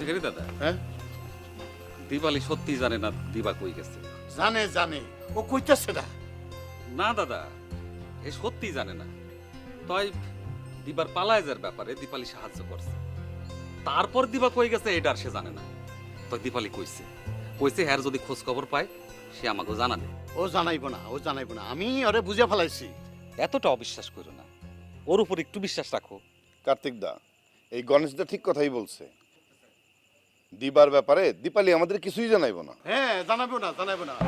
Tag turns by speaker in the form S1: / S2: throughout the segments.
S1: ভিখারি দাদা,
S2: হ্যাঁ
S1: দিবালি সত্যি জানে না দিবা কই গেছে।
S2: জানে জানে, ও কইতাছে না।
S1: না দাদা, এ সত্যি জানে না। তাই দিবার পালায় যার ব্যাপারে দীপালি সাহায্য করছে। তারপর দিবা কই গেছে এটা আর সে জানে না। তো দীপালি কইছে কইছে হ্যার যদি খোঁজ খবর পায় সে আমাকে জানাবে।
S2: ও জানাইবো না, ও জানাইবো না, আমি ওরে বুঝে ফেলাইছি।
S1: এতটা অবিশ্বাস করো না, ওর উপর একটু বিশ্বাস রাখো।
S3: কার্তিক দা, এই গণেশ দা ঠিক কথাই বলছে। দিবার ব্যাপারে দীপালি আমাদের কিছুই জানাইবো না।
S2: হ্যাঁ জানাবো না, জানাবো না।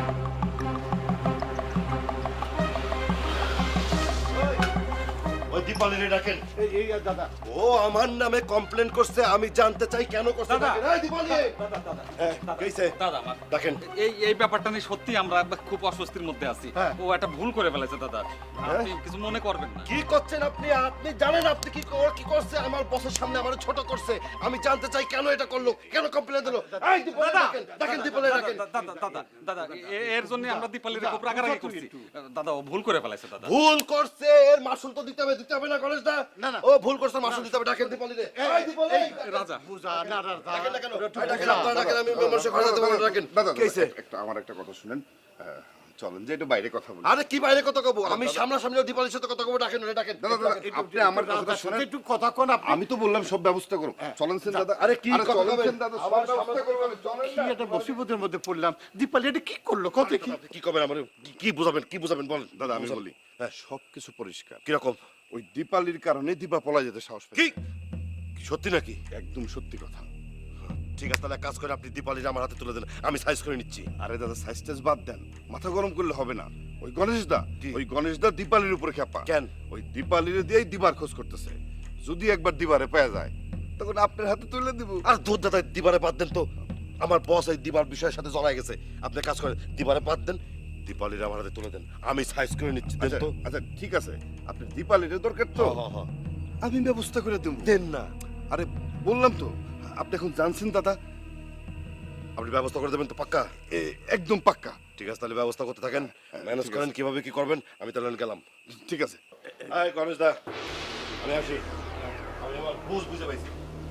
S4: ওই দীপালিরে ডাকেন।
S2: এই দাদা,
S4: ও আমার নামে কমপ্লেন করছে, আমি জানতে চাই কেন করছে।
S1: দাদা।
S4: ডাকেন। এই দীপালি, হ্যাঁ, কইছে?
S1: দাদা আমার
S4: ডাকেন।
S1: এই ব্যাপারটা নিয়ে সত্যি আমরা খুব অস্বস্তির মধ্যে আছি।
S2: হ্যাঁ।
S1: ও একটা ভুল করে ফেলেছে দাদা, আপনি কিছু মনে করবেন না।
S4: কি করছেন আপনি? আপনি জানেন আপনি কি করছে? আমার বসের সামনে আমার ছোট করছে। আমি জানতে চাই কেন এটা করলো, কেন কমপ্লেন দিলো। এই দীপালি ডাকেন, ডাকেন দীপালি ডাকেন।
S1: দাদা এর জন্য আমরা দীপালির খুব রাগারাগি করছি। দাদা ও ভুল করে ফেলেছে দাদা।
S4: ভুল করছে, এর মাসুল তো দিতে হবে না গণেশ দা?
S2: না, না।
S4: ও ভুল করছে, মাসুল দিতে হবে। ডাকেন দীপালিরে। এই দীপালি,
S1: রাজা
S2: বুঝা না দাদা,
S4: ডাকেন না কেন? ডাকেন, আপনারা ডাকেন, আমি মানুষের ঘরে যেতে পারবো না, ডাকেন।
S3: দাদা
S4: কি হইছে?
S3: আমার একটা কথা শুনেন, চলেন যে একটু বাইরে কথা বলি।
S4: আরে কি বাইরে কথা কব? আমি সামনাসামনি দীপালির সাথে কথা কব। ডাকেন ওরে, ডাকেন।
S3: দাদা দাদা, আপনি আমার কথাটা শুনেন।
S2: একটু কথা কোন আপনি।
S3: আমি তো বললাম সব ব্যবস্থা করো। চলেন সেন দাদা।
S4: আরে কি কথা
S3: চলেন
S4: বলবেন?
S3: সেন দাদা, সব
S4: আমার
S3: ব্যবস্থা করবো আমি। চলেন
S2: কি
S3: না।
S2: একটা মুসিবতের মধ্যে পড়লাম। দীপালি এটা কি করলো, কত কি?
S4: আপনি কি করবেন আমার? কি বুঝাবেন বলেন।
S3: দাদা আমি
S4: বুঝাবেন।
S3: বলি,
S4: হ্যাঁ।
S3: সবকিছু পরিষ্কার।
S4: কিরকম?
S3: ওই দীপালির কারণে দীপা পলা যেতে সাহস
S4: কি
S3: পেয়েছে।
S4: কি সত্যি নাকি?
S3: একদম সত্যি কথা।
S4: ঠিক আছে, তাহলে এক কাজ করে আপনি দীপালির আমার হাতে তুলে দেন, আমি সাইজ করে নিচ্ছি।
S3: আরে দাদা, সাইজ টাইজ বাদ দেন, মাথা গরম করলে হবে না। ওই গণেশ দা,
S4: কি?
S3: ওই গণেশ দা দীপালির উপরে খেপা।
S4: কেন?
S3: ওই দীপালির দিয়েই দিবার খোঁজ করতেছে। যদি একবার দিবারে পাওয়া যায় তখন আপনার হাতে তুলে দিব।
S4: আর দুধ দাদা, দিবারে বাদ দেন তো। আমার বস এই দিবার বিষয়ের সাথে জড়াই গেছে। আপনি কাজ করেন, দিবারে বাদ দেন, দীপালির আমার হাতে তুলে দেন, আমি সাইজ করে নিচ্ছি। দেন
S3: আচ্ছা
S4: তো।
S3: আচ্ছা ঠিক আছে, আপনি দীপালির দরকার তো,
S4: হ্যাঁ।
S3: আমি ব্যবস্থা করে দেব।
S4: দেন না।
S3: আরে বললাম তো, আপনি এখন জানছেন দাদা।
S4: আপনি ব্যবস্থা করে দেবেন তো পাক্কা?
S3: একদম পাক্কা।
S4: ঠিক আছে, তাহলে ব্যবস্থা করতে থাকেন, ম্যানেজ
S3: ঠিক
S4: করেন
S3: আছে।
S4: কিভাবে কি করবেন। আমি তাহলে গেলাম।
S3: ঠিক আছে।
S4: এই গণেশ দা, আমি আসি। আমি আমার বুঝে পাইছি।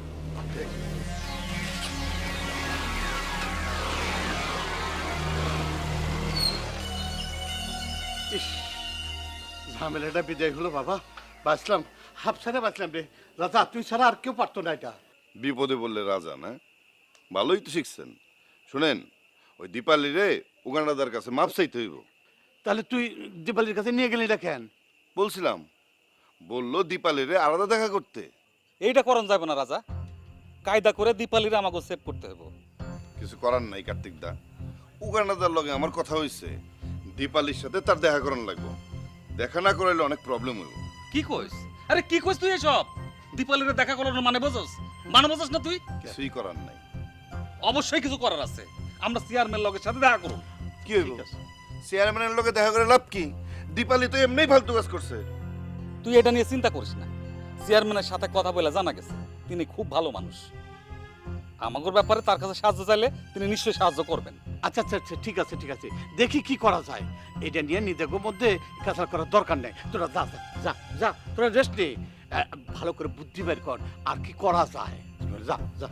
S2: ইস, ঝামেলাটা বিদায় হলো বাবা। বাঁচলাম, হাফ ছাড়া বাঁচলাম রে। রাজা তুই ছাড়া আর কেউ পারতো না এটা।
S3: বিপদে বললে রাজা না? ভালোই তো শিখছেন। শুনেন, ওই দীপালি রে উগান্ডাদার কাছে মাপ চাইতে হইব।
S2: তাহলে তুই দীপালির কাছে নিয়ে গেলি এটা কেন?
S3: বলছিলাম, বললো দীপালি রে আলাদা দেখা করতে।
S1: এইটা করণ যাবে না রাজা, কায়দা করে দীপালির আমাকে সেভ করতে হবে।
S3: কিছু করার নাই কার্তিক দা, উগান্ডাদার লগে আমার কথা হইছে, দীপালির সাথে তার দেখা করান লাগবো। দেখা না করাইলে অনেক প্রবলেম হইব।
S1: কি কইস? আরে কি কইস তুই এসব? দীপালির দেখা করার মানে বোঝস? মানে বোঝস না তুই?
S3: কিছুই করার নাই।
S1: অবশ্যই কিছু করার আছে। আমরা চেয়ারম্যান লগের সাথে দেখা করব।
S3: কি হইব? চেয়ারম্যানের লগে দেখা করে লাভ কি? দীপালি তো এমনিই ফালতু কাজ করছে।
S1: তুই এটা নিয়ে চিন্তা করিস না। চেয়ারম্যানের সাথে কথা বলে জানা গেছে তিনি খুব ভালো মানুষ। আমাদের ব্যাপারে তার কাছে সাহায্য চাইলে তিনি নিশ্চয়ই সাহায্য করবেন।
S2: আচ্ছা আচ্ছা আচ্ছা, ঠিক আছে ঠিক আছে, দেখি কি করা যায়। এটা নিয়ে নিজেদের মধ্যে কাছাড় করার দরকার নেই। তোরা যা যা যা যা, তোরা রেস্ট নে। ভালো করে বুদ্ধি বের কর আর কি করা যায়। যা যা।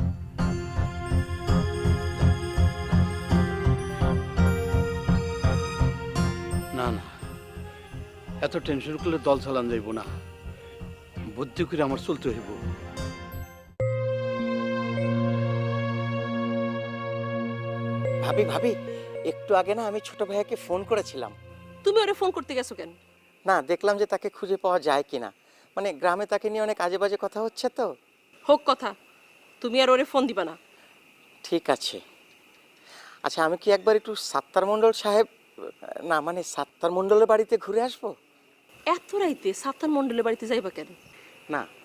S2: না না, এত টেনশন করলে দল চালান যাইব না। বুদ্ধি করে আমার চলতে হইব।
S5: ভাবি ভাবি, একটু আগে না আমি ছোট ভাইয়াকে ফোন করেছিলাম।
S6: তুমি ওরে ফোন করতে গেছো কেন?
S5: না, দেখলাম যে তাকে খুঁজে পাওয়া যায় কিনা। মানে গ্রামে তাকে নিয়ে অনেক আজে বাজে কথা হচ্ছে তো।
S6: হোক কথা, তুমি আর ওরে ফোন দিবা না।
S5: ঠিক আছে। আচ্ছা, আমি কি একবার একটু সাত্তার মণ্ডল সাহেব, না মানে সাত্তার মণ্ডলের বাড়িতে ঘুরে আসবো?
S6: এত রাইতে সাতার মন্ডলের বাড়িতে যাইবা কেন?
S5: না